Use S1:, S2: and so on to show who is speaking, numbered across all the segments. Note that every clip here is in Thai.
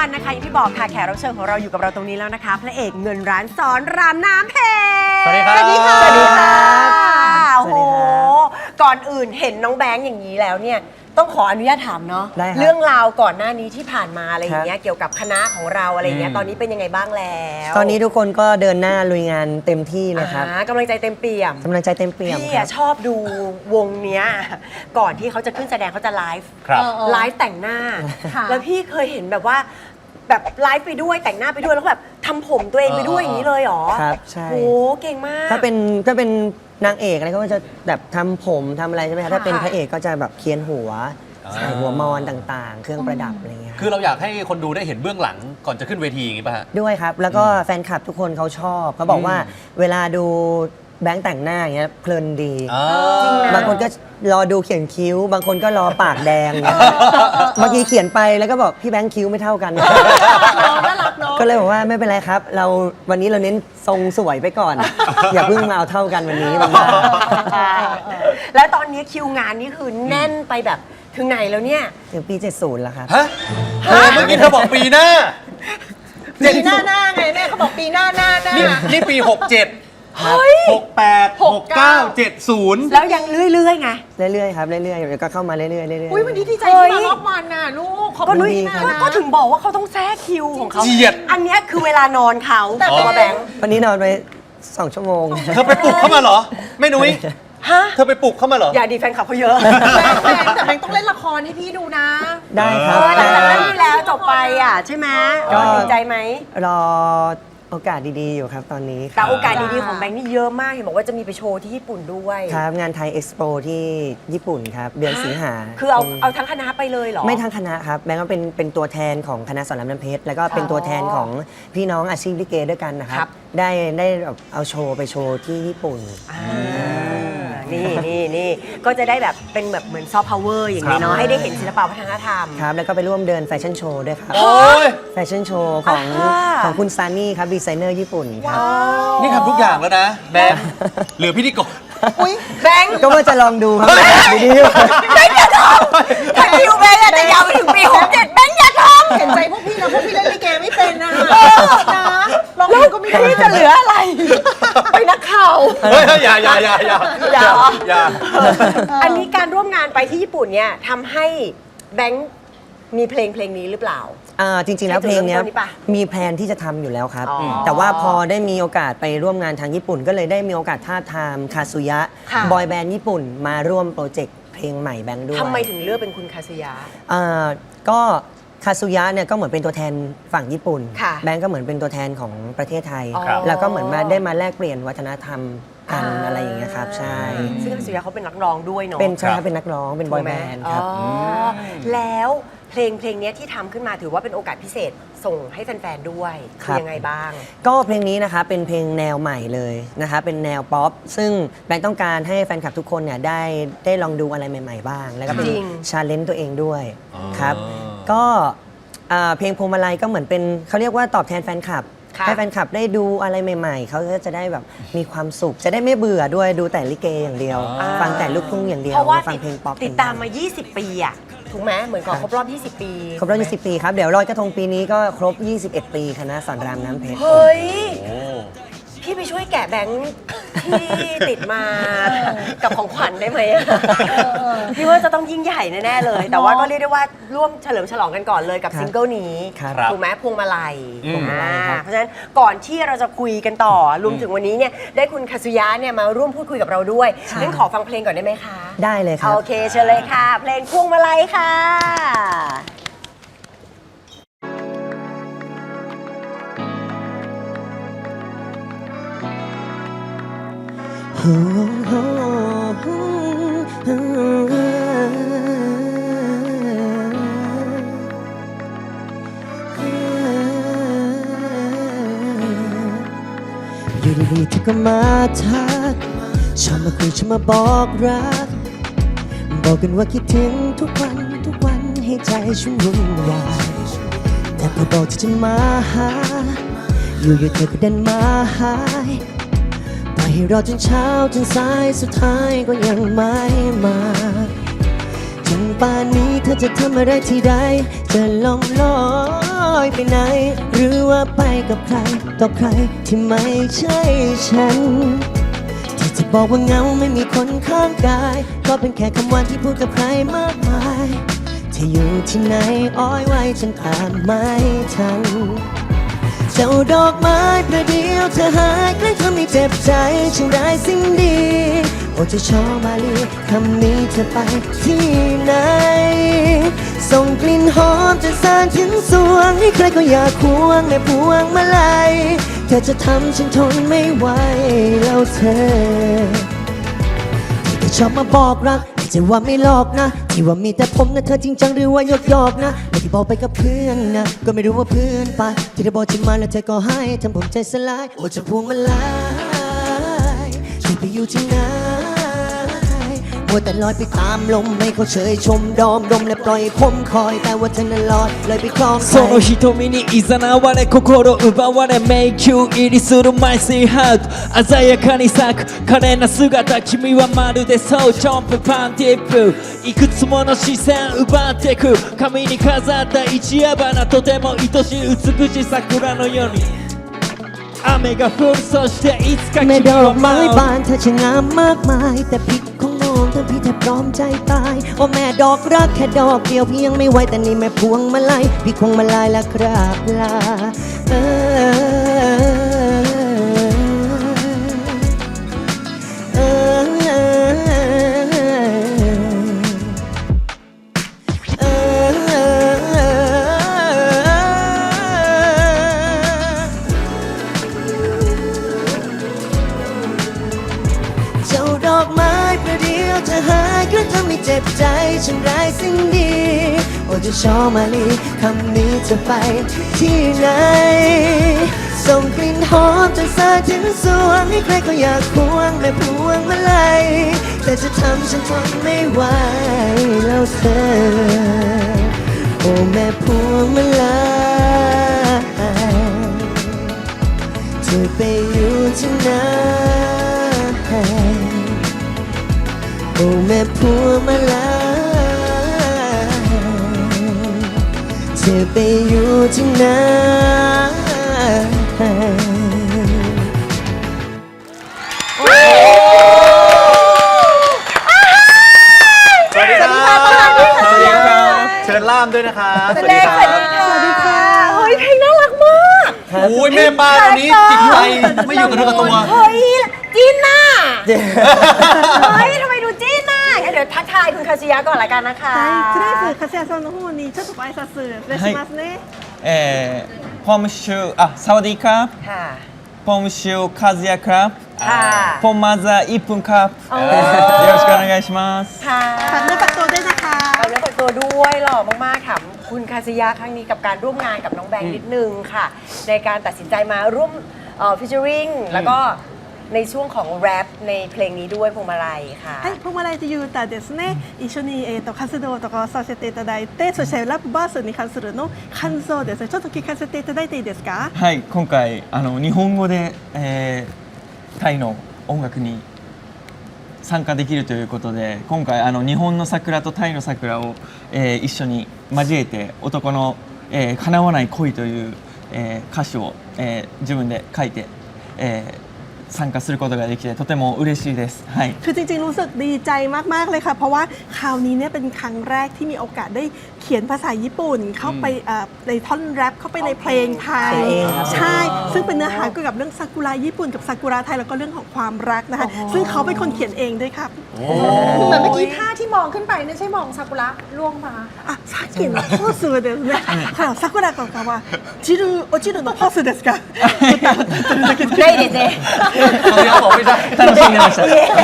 S1: วันนะคะอย่างที่บอกค่ะแขกรับเชิญของเราอยู่กับเราตรงนี้แล้วนะคะพระเอกเงินร้านสอนรามน้ำเพชร
S2: สวัสดีครับ
S1: สวัสดีค่ะ
S2: สวัสดีครับ
S1: โอ้โหก่อนอื่นเห็นน้องแบงค์อย่างนี้แล้วเนี่ยต้องขออนุญาตถามเนาะเรื่องราวก่อนหน้านี้ที่ผ่านมาอะไรอย่างเงี้ยเกี่ยวกับคณะของเราอะไรอย่างเงี้ยตอนนี้เป็นยังไงบ้างแล้ว
S3: ตอนนี้ทุกคนก็เดินหน้าลุยงานเต็มที่เลยครับ
S1: กำลังใจเต็มเปี่ยม
S3: กำลังใจเต็มเปี่ยม
S1: พี่
S3: ครับ
S1: ชอบดูวงเนี้ยก่อนที่เขาจะขึ้นแสดงเขาจะไลฟ์
S2: ครับ
S1: ไลฟ์แต่งหน้า
S4: ค่ะ
S1: แล้วพี่เคยเห็นแบบว่าแบบไลฟ์ไปด้วยแต่งหน้าไปด้วยแล้วก็แบบทำผมตัวเองไปด้วยอย่างนี้เลยเหรอ
S3: ครับใช่
S1: โอ้เก่งมาก
S3: ถ้าเป็นนางเอกอะไรก็จะแบบทำผมทำอะไรใช่ไหมครับถ้าเป็นพระเอกก็จะแบบเคียนหัวใส่หัวมอนต่างๆ เครื่องประดับอะไรเงี้ย
S2: คือเราอยากให้คนดูได้เห็นเบื้องหลังก่อนจะขึ้นเวทีอย่างนี้ป่ะฮะ
S3: ด้วยครับ แล้วก็แฟนคลับทุกคนเขาชอบเขาบอกว่าเวลาดูแบงค์แต่งหน้าอย่างเงี้ยเพลินดี
S1: จริงนะ
S3: บางคนก็รอดูเขียนคิ้ว บางคนก็รอปากแดงเนี่ยเมื่อกี้เขียนไปแล้วก็บอกพี่แบงค์คิ้วไม่เท่ากัน
S4: น่ารักเนาะ
S3: ก็เลยบอกว่าไม่เป็นไรครับ วันนี้เราเน้นทรงสวยไปก่อน อย่าเพิ่งมาเอาเท่ากันวันนี้มันยาก
S1: ใช่แล้วตอนนี้คิวงานนี่คือแน่นไปแบบถึงไหนแล้วเนี่ย
S3: ถึงปี 70 แล้วครับ
S2: ฮะเมื่อกี้เธอบอกปีหน้า
S4: ปีหน้าไงแม่เขาบอกปีหน้า
S2: นี่ปี 67
S1: เฮ้ย
S2: 68 69 70
S1: แล้วยังเรื่อยๆไง
S3: เรื่อยๆครับเรื่อยๆเดี๋ยวก็เข้ามาเรื่อยๆเรื่อยๆ
S4: อุ้ยวันนี้ดีใจ
S1: เฮ้
S4: ที่
S1: ย
S4: มารอบวันน่ะลูกขอบ
S1: ก็
S4: คุณ
S1: นุ้ย
S4: พี่นะ
S1: ก็ถึงบอกว่าเขาต้องแทรกคิวของเขา
S2: เจียด
S1: อันเนี้ยคือเวลานอนเขา
S4: แต่
S1: ตัวแบงค์
S3: วันนี้นอนไป 2 ชั่วโมง
S2: เธอไปปลุกเข้ามาเหรอแม่นุ้ย
S1: ฮะ
S2: เธอไปปลุกเข้ามาเหรอ
S1: อย่าดีแฟนคลับเขาเยอะ
S4: แต่แบงค์ต้องเล่นละครให้พี่ดูนะ
S3: ได้ครับ
S1: หลังจากนั้นที่แล้วจบไปอ่ะใช่ไหม
S3: ก็
S1: ดีใจไหม
S3: รอโอกาสดีๆอยู่ครับตอนนี้ค
S1: แต่
S3: รับ
S1: โอกาสดีๆของแบงค์นี่เยอะมากเห็นบอกว่าจะมีไปโชว์ที่ญี่ปุ่นด้วย
S3: ครับงานไทยเอ็กซ์โปที่ญี่ปุ่นครับ เดือนสิงหา
S1: คือเอาทั้งคณะไปเลยเหรอ
S3: ไม่ทั้งคณะครับแบงก์ก็เป็นตัวแทนของคณะสอนรามน้ำเพชรแล้วก็เป็นตัวแทนของพี่น้องอาชีพลิเกด้วยกันนะค
S1: ครั
S3: รับ บ ได้แบบเอาโชว์ไปโชว์ที่ญี่ปุ่น
S1: นี่ก็จะได้แบบเป็นแบบเหมือนซอฟต์พาวเวอร์อย่างนี้เนาะให้ได้เห็นศิลปะวัฒนธรรม
S3: ครับ แล้วก็ไปร่วมเดินแฟชั่นโชว์ด้วยครับ
S2: โอ้ย
S3: แฟชั่นโชว์ของ
S1: อ่า
S3: ของคุณซานี่ครับดีไซเนอร์ญี่ปุ่นครับ
S2: นี่ทำทุกอย่างแล้วนะแบงค์เหลือพิธีกร
S1: แบงค์
S3: ก็ว่าจะลองดูครับดี
S1: แบงค์อย่าทำถ้าคิวแบงค์อาจจะยาวไปถึงปี67แบงค์อย่าทำ
S4: เห็นใจพวกพี่นะพวกพี่เล่นลิเกไม่เป็นนะลองดูก็ไม่ได้
S1: พี่จะเหลืออะไร ไปนักข่าว
S2: เฮ้ยอย่า
S1: อันนี้การร่วมงานไปที่ญี่ปุ่นเนี่ยทำให้แบงค์มีเพลงนี้หรือเปล่า
S3: จริงๆแล้วเพลงเนี้ย
S1: ให้จุดเริ่มต้นนี้ปะ
S3: มีแพลนที่จะทำอยู่แล้วครับ
S1: อ๋อ
S3: แต่ว่าพอได้มีโอกาสไปร่วมงานทางญี่ปุ่น ก็เลยได้มีโอกาสท้าบทามคาซุยะ
S1: ค่ะ
S3: บอยแบนด์ญี่ปุ่นมาร่วมโปรเจกต์เพลงใหม่แบงค์ด้วย
S1: ทำไมถึงเลือกเป็นคุณคาซุยะ
S3: ก็คาซุยะเนี่ยก็เหมือนเป็นตัวแทนฝั่งญี่ปุ่น
S1: ค่ะ
S3: แบงก์ก็เหมือนเป็นตัวแทนของประเทศไทย
S1: อ๋อ
S3: แล้วก็เหมือนมาได้มาแลกเปลี่ยนวัฒนธรรมกันอะไรอย่างเงี้ยครับ ใช่
S1: ซึ่งคาซุยะเขาเป็นนักร้องด้วยเนาะ
S3: เป็นใช่ครับเป็นนักร้องเป็นบอยแบนด์ครับ
S1: อ๋อแล้วเพลงเนี้ยที่ทำขึ้นมาถือว่าเป็นโอกาสพิเศษส่งให้แฟนๆด้วย
S3: ค
S1: คื
S3: รับ
S1: อยังไงบ้าง
S3: ก็เพลงนี้นะคะเป็นเพลงแนวใหม่เลยนะคะเป็นแนวป๊อปซึ่งแบงค์ต้องการให้แฟนคลับทุกคนเนี่ยได้ลองดูอะไรใหม่ๆบ้าง แล้วก็เป็น
S1: จริง
S3: ชาเลนจ์ตัวเองด้วย
S2: อ๋อ
S3: ครับก็เพลงพวงมาลัยก็เหมือนเป็นเขาเรียกว่าตอบแทนแฟนคลับ
S1: ค่ะ
S3: ให้แฟนคลับได้ดูอะไรใหม่ๆ เขาก็จะได้แบบมีความสุข จะได้ไม่เบื่อด้วยดูแต่ลิเกอย่างเดียว ฟังแต่ลูกทุ่งอย่างเดียว
S1: เพราะว่า
S3: ฟังเพลงป๊อป
S1: ติดตามมา 20 ปีอะถูกไหมเหมือนก่อนครบรอบ 20 ปี
S3: ครบรอบ20 ปีครับ เดี๋ยวลอยกระทงปีนี้ก็ครบ 21 ปีคณะสอนรามน้ำเพชร
S1: เฮ้ย
S2: โอ้
S1: พี่ไปช่วยแกะแบงค์ที่ติดมากับของขวัญได้ไหมอะพี่ว่าจะต้องยิ่งใหญ่แน่ๆเลย แต่ว่าก็เรียกได้ว่าร่วมเฉลิมฉลองกันก่อนเลยกับ
S3: ครับ
S1: ซิงเกิลนี้
S3: ครับ
S1: ถูกไหมพวงมาลัย
S3: พวงมาลัยครับ
S1: เพราะฉะนั้นก่อนที่เราจะคุยกันต่อรวมถึงวันนี้เนี่ยได้คุณคาซุยะเนี่ยมาร่วมพูดคุยกับเราด้วยงั้นขอฟังเพลงก่อนได้ไหมคะ
S3: ได้เลยครับ
S1: โอเคเชิญเลยค่ะ เพลงพวงมาลัยค่ะ
S3: อยู่ดีๆเธอก็มาทักชอบมาคุยชอบมาบอกรัก บอกกันว่าคิดถึงทุกวันให้ใจฉันวุ่นวายแต่พอบอกที่จะมาหา อยู่ๆเธอก็เดินมาหายปล่อยให้รอจนเช้าจนสายสุดท้ายก็ยังไม่มาจนป่านนี้เธอจะทำอะไรที่ใดจะลองอยไปไหน หรือว่าไปกับใครต่อใครที่ไม่ใช่ฉัน ที่จะบอกว่าเหงาไม่มีคนข้างกาย ก็เป็นแค่คำว่าที่พูดกับใครมากมายเธออยู่ที่ไหนอ้อยไว้ฉันตามไม่ทัน เจ้าดอกไม้ประเดียวเธอหายใกล้ทำให้เจ็บใจฉันได้สิ่งดีโอ้เจะชอมาลีคำนี้เธอไปที่ไหนส่งกลิ่นหอมจะสานถึงสวงให้ใครก็อยากควงในพวงมาลัยเธอจะทำฉันทนไม่ไหวแล้วเธอที่ชอบมาบอกรักไม่ใช่ว่าไม่หลอกนะที่ว่ามีแต่ผมนะเธอจริงจังหรือว่าหยอกนะไม่ที่บอกไปกับเพื่อนนะก็ไม่รู้ว่าเพื่อนไปที่ได้บอกจะมาแล้วเธอก็ให้ทำผมใจสลายโอ้จะพวงมาลัยที่ไปอยู่ที่ไหนมัวแต่ลอยไปตามลมไม่เขาเฉยชมดอมดมและปล่อยผมคอยแต่ว่าเธอนั้นลอยเลยไปคลองใคร
S5: その瞳に誘われ心奪われ迷宮入りするマイスイハート鮮やかに咲く可憐な姿君はまるでそうジャンプパンティップいくつもの視線奪ってく髪に飾った一夜花とても愛しい美しい桜のように雨が降るそしていつか君
S3: แม่ดอ
S5: は
S3: กไม้
S5: 舞う
S3: บานเธอช่างงามมากมายแต่พิษของน้องทั้งพี่แทบพร้อมใจตายโอ้แม่ดอกรักแค่ดอกเดียวพี่ยังไม่ไหวแต่นี่แม่พวงมาลัยพี่คงมาลายและกราบลาเจ้าดอกไม้ประเดียวจะหายก็ทำให้เจ็บใจฉันได้สิ่งดีโอ้จะชอมาลีคำนี้จะไปที่ไหนส่งกลิ่นหอมจนสาดถึงสวงให้ใครก็อยากควงแม่พวงมาลัยแต่จะทำฉันทนไม่ไหวแล้วเธอโอ้แม่พวงมาลัยเธอไปอยู่ที่ไหนโอ้แม่พวงมาลัยเธอไปอยู่ที่ไหน
S2: สวัสดีครับสวัสดีครับเชิญล่ามด้วยนะครับ
S1: สวัสดีค่ะเฮ้ยเพลงน่ารักมาก
S2: โอ้ยแม่ป้าตอนนี้จิตใจไม่อยู่กับเนื้อกับตัว
S1: เฮ้ยจีนน่ะเฮ้ยทำไมดูจีนน่ะงั้นเดี๋ยวทักทายคุณคาซิยะก่อนละกันนะคะ
S4: はいとりあえず粕谷さんの方にちょっとご挨拶お願いしますね、
S5: ポムシュサワディーカー
S1: ค่ะ
S5: ポムシュカズヤครับ
S1: ค่ะ
S5: ポンマザー1分ครับよろしくお願いします
S1: ค่ะ
S4: ฝากเนื้อฝากตัวด้วยนะคะ
S1: ฝากเนื้อฝากตัวด้วยหล่อมากๆค่ะคุณคาซิยะครั้งนี้กับการร่วมงานกับน้องแบงค์นิดนึงค่ะ ในการตัดสินใจมาร่วมฟิชเชอริงแล้วก็ในช่วงของแรปในเพลงนี้ด้วยพวงมาลัยค่ะ
S4: はい、ポマライという歌ですね、一緒に、活動とかをさせていただいて、そしてラップバースに関するの感想ですね、ちょっと聞かせていただいていいですか？
S5: はい今回日本語で、タイの音楽に参加できるということで今回日本の桜とタイの桜を、一緒に交えて男の、叶わない恋という、歌詞を、自分で書いて、参加することができてとても嬉しいです。はい。
S4: คือจริงๆรู้สึกดีใจมากๆเลยค่ะเพราะว่าคราวนี้เนี่ยเป็นครั้งแรกที่มีโอกาสได้เขียนภาษาญี่ปุ่นเข้าไปในท่อนแรปเข้าไปในเพลงไทยใช่ซึ่งเป็นเนื้อหาเกี่ยวกับเรื่องซากุระญี่ปุ่นกับซากุระไทยแล้วก็เรื่องของความรักนะคะซึ่งเขาเป็นคนเขียนเองด้วยครับ
S6: เหมือนเมื่อกี้ท่าที่มองขึ้นไปไม่ใช่มองซากุระล่วงมา
S4: あ、さっきのポーズですね。ほら、桜子さんは落ちるのポーズですか。
S1: ได้เด็ดเลย
S2: เขาเรียกบอกไม่ใช่
S5: 楽しんでました。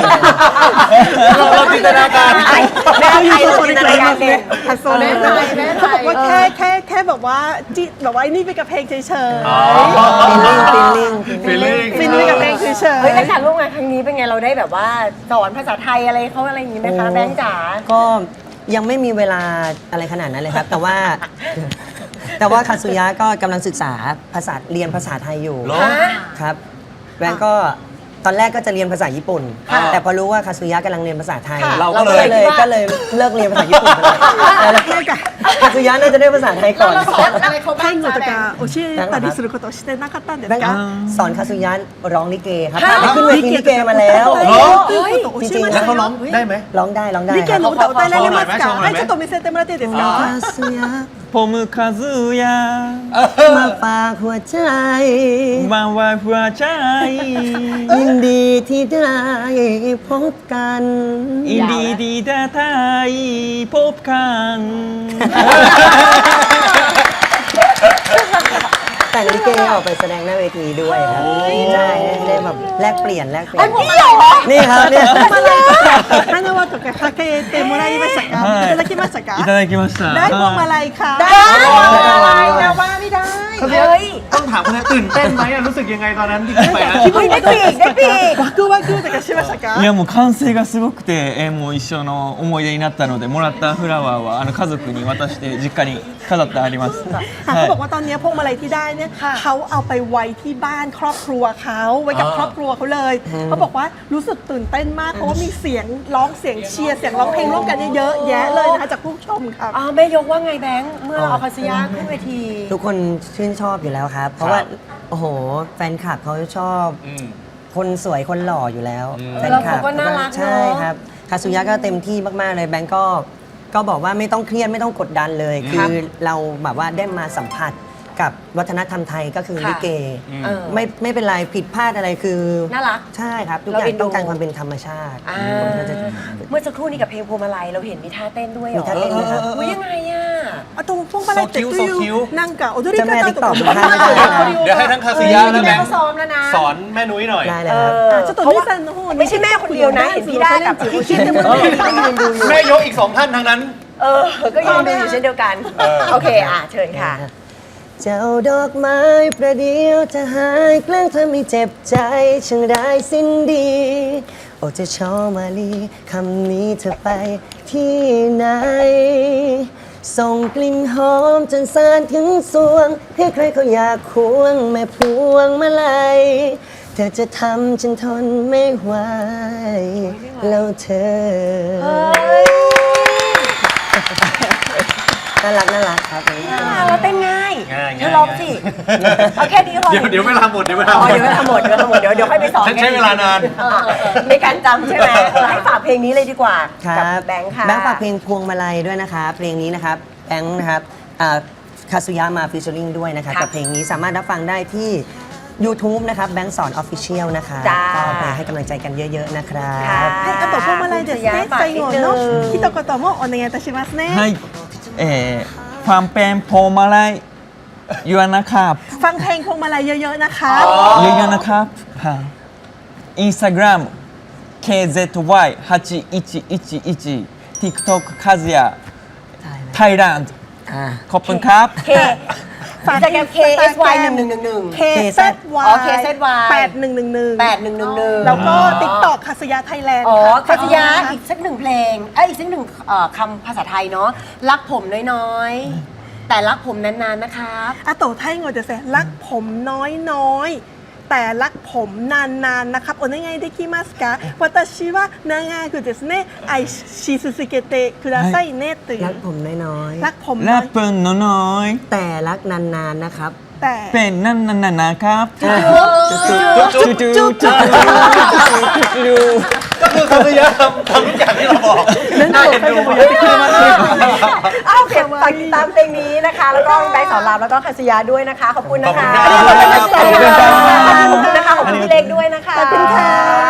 S2: เราจินตนาการ
S1: ไทยแม่ไทยเราจินตนาการเด่น
S4: ฮัสโซเล่เขาบอกว่าแค่แบบว่าจิแบบว่านี่ไปกับเพลงเฉยๆ
S2: ฟีลลิ่ง
S4: ฟินไปกับเพลงเฉย
S1: เฮ้ยแล้วการร่วมงานครั้งนี้เป็นไงเราได้แบบว่าสอนภาษาไทยอะไรเขาอะไรอย่างนี้ไหมคะแบงค์จ๋า
S3: ก็ยังไม่มีเวลาอะไรขนาดนั้นเลยครับ แต่ว่าคาซุยะก็กำลังศึกษาเรียนภาษาไทยอยู่
S2: เหรอ
S3: ครับแบงก์ก็ตอนแรกก็จะเรียนภาษาญี่ปุ่น แต่พอรู้ว่าคาซุยะกำลังเรียนภาษาไทย
S2: เราก็เลย
S3: ก็เลยเลิกเรียนภาษาญี่ปุ่นไปเลยแล้วคาซุยะน่าจะได้ภาษาไทยก่อน
S6: อะไรเขาบ้า
S4: タ
S6: ง
S4: イ語
S6: จ้า
S4: と
S6: แบง
S4: か教えたりすることをしてなかったんです
S3: แบงค์
S4: か
S3: สอนคาซุยะร้องลิเกครับไปขึ้นเวทีลิเกมาแล้ว
S2: เหรอ
S4: ということを教えま
S2: แล้
S4: し
S2: ว
S4: た
S2: เขาร้อง
S4: よ
S2: ได้ไหม
S3: ร้องได้ร้องได้
S4: リケの歌歌えられますか
S2: ちょっと
S4: はいちょっと見せてもらっていいですか
S3: คาซุยะ
S5: ผมคาซุยะ
S3: มาฝากหัวใจ
S5: มาว่าหัวใจ
S3: ยินดีที่ได้พบกัน
S5: อินดีดีดาไทยพบกัน
S3: แต่งลิเกออกไปแสดงหน้าเวทีด้วยครับใช่ได้แบบแลกเปลี่ยนนี่ครับเนี่ย
S4: 花輪とかかけてもらいましたか
S5: はい
S4: いただきましたか
S5: いただきました
S4: ได้พวงมาลัยค่ะ
S6: ได้อะไรนะว่าไม่ได้
S1: เฮ้ย
S2: ต้องถามคุณแม่ตื่นเต้นไหมอะรู้สึกยังไงตอนนั้นที่ขึ้นไปนะ
S1: เฮ้ยได้ปีกได้ปีก
S4: ワクワクとかしましたか
S5: いやもう歓声がすごくて、もう一生の思い出になったのでもらったフラワーは家族に渡して実家に飾ってあります。
S4: เขาบอกว่าตอนนี้พวงมาลัยที่ได้เนี่ยเขาเอาไปไว้ที่บ้านครอบครัวเขาไว้กับครอบครัวเขาเลยเขาบอกว่ารู้สึกตื่นเต้นมากเพราะว่ามีเสียงร้องเสียงเชียร์เสียงร้องเพลงร่วมกันเยอะแยะเลยนะคะจากผู้ชมครับ
S1: แม่ยกว่าไงแบงค์เมื่อเราเอาคาซิยะขึ้นเวที
S3: ทุกคนชื่นชอบอยู่แล้วครับ เพราะว่าโอ้โหแฟนคลับเขาชอบ คนสวยคนหล่ออยู่แล้วแฟนคลับ
S1: แล้วเขาก็น่ารักเนอะ
S3: ใช่ครับคาซุยะก็เต็มที่มากๆเลยแบงก์ก็บอกว่าไม่ต้องเครียดไม่ต้องกดดันเลย คือเราแบบว่าได้มาสัมผัสกับวัฒนธรรมไทยก็คือ
S1: ค่ะ
S3: ลิเก
S1: เออ
S3: ไม่เป็นไรผิดพลาดอะไรคือ
S1: น่ารัก
S3: ใช่ครับทุกอ
S1: เรา
S3: ย่า
S1: เอ็
S3: ง
S1: นดู
S3: ต้องการความเป็นธรรมชาติ
S1: อ่า
S3: คนก็จะ
S1: เมื่อสักครู่นี้กับเพลงพวงมาลัยเราเห็นมีท่าเต้นด้วยเหร
S3: มี
S1: อ
S3: ท่าเต้นด้วยครับ
S1: อุ๊ยยังไงอ่ะ
S4: あとพวงมาลัยってどう
S2: So
S4: い
S2: cute
S4: うなんか踊り
S3: เจ้าแม่
S4: 方
S3: ติ๊ก
S4: と
S3: ต็อก
S4: か
S3: ทุกท่านนะคะ
S2: เดี๋ยวให้ทั้งคาซิยะและแบง
S1: เขา
S2: ค์
S1: ซ้อมแล้วนะ
S2: สอนแม่นุ้ยหน่อย
S3: ได้เลยครับ
S4: ちょっと
S1: เพราะ
S4: リ
S1: ว่า
S4: さんの方に
S1: ไม่ใช่แม่คนเดียวนะ เห็นพี่ด้ากับพี่คิดที่ยืนดูอยู่
S2: แม่ยกอีก2ท่านทั้งนั้น
S1: ก็ยืนดูอยู่เช่นเดียวกัน โอเคเชิญค่ะ
S3: เจ้าดอกไม้ประเดียวจะหายแกล้งเธอไม่เจ็บใจช่างได้สิ้นดี โอ้จะชอมาลีคำนี้เธอไปที่ไหน ส่งกลิ่นหอมจนสานถึงสวง ให้ใครเขาอยากควงแม่พวงมาลัยเธอจะทำฉันทนไม่ไหวแล้วเธอ น่ารักครับ
S1: เราเต้นง่าย
S2: ง่าย
S1: เธอลองสิเอาแค่นี้พอ
S2: เดี๋ยวเวลาหมดเดี๋ยวเวลา
S1: อ๋อเดี๋ยวเวลาหมดเดี๋ยวค่อยไปสอน
S2: ฉันใช้เวลานาน
S1: ในการจำใช่ไหมให้ฝากเพลงนี้เลยดีกว่า
S3: ครั
S1: กับ แบงค์ค่ะ
S3: แบงค์ฝากเพลงพวงมาลัยด้วยนะคะเพลงนี้นะครับแบงค์นะครับคาซุยะมาฟิชเชอริงด้วยนะคะ
S1: ค่ะ
S3: กับเพลงนี้สามารถรับฟังได้ที่ YouTube นะครับแบงค์สอนออฟฟิเชียลนะคะ
S1: จ้า
S3: ก็ไปให้กำลังใจกันเยอะๆนะครับ
S1: ค่ะ
S4: はい、あとพวงมาลัยですね。最後の一言もお願いいたしますね。
S5: はい、ความเป็นพวงมาลัยยูนะครับ
S4: ฟังเพลงพวงมาลัยเยอะๆนะคะ
S5: เยอะๆนะครับอินสตาแกรม KZY 8111 TikTok คาซิยะไทยแลนด์
S3: อ่า
S5: ขอบคุณครับ
S1: K ฝากจากแกรม KSY 1111
S4: KZY
S1: อ๋อ KZY
S4: 8111
S1: 8111
S4: แล้วก็ TikTok คาสยาไทยแลนด์
S1: อ๋อ
S4: ค่ะ
S1: คาซิยะอีกสักหนึ่งเพลงอีกสักหนึ่งคำภาษาไทยเนาะรักผมน้อยๆ แต่รักผมนานๆนะครับ
S4: あとタイ語ですねรักผมน้อยๆแต่รักผมนานๆนะครับお願いできますか私は長くですね愛し続けてくださいねという
S3: รักผมน้อย
S4: รักผม
S5: และ
S4: น้อย
S5: เปิ้ลน้อย
S3: ๆ แต่รักนานๆนะครับ
S4: แต่
S5: ๆเป็นนั่นนะครับ
S2: จุ๊บ
S5: จูจู
S2: ก็คือคาซิยะทำทุกอย่างที่เราบอกน่าเอ็นดู
S1: โอเคฝากติดตามเพลงนี้นะคะ แล้วก็แบงค์สอนรามแล้วก็คาซิยะด้วยนะคะ ขอบคุณนะคะ
S2: ขอบคุณครับ
S1: ขอบคุณนะคะ ขอบคุณพี่เล็กด้วยนะคะ
S4: ขอบคุณค่ะ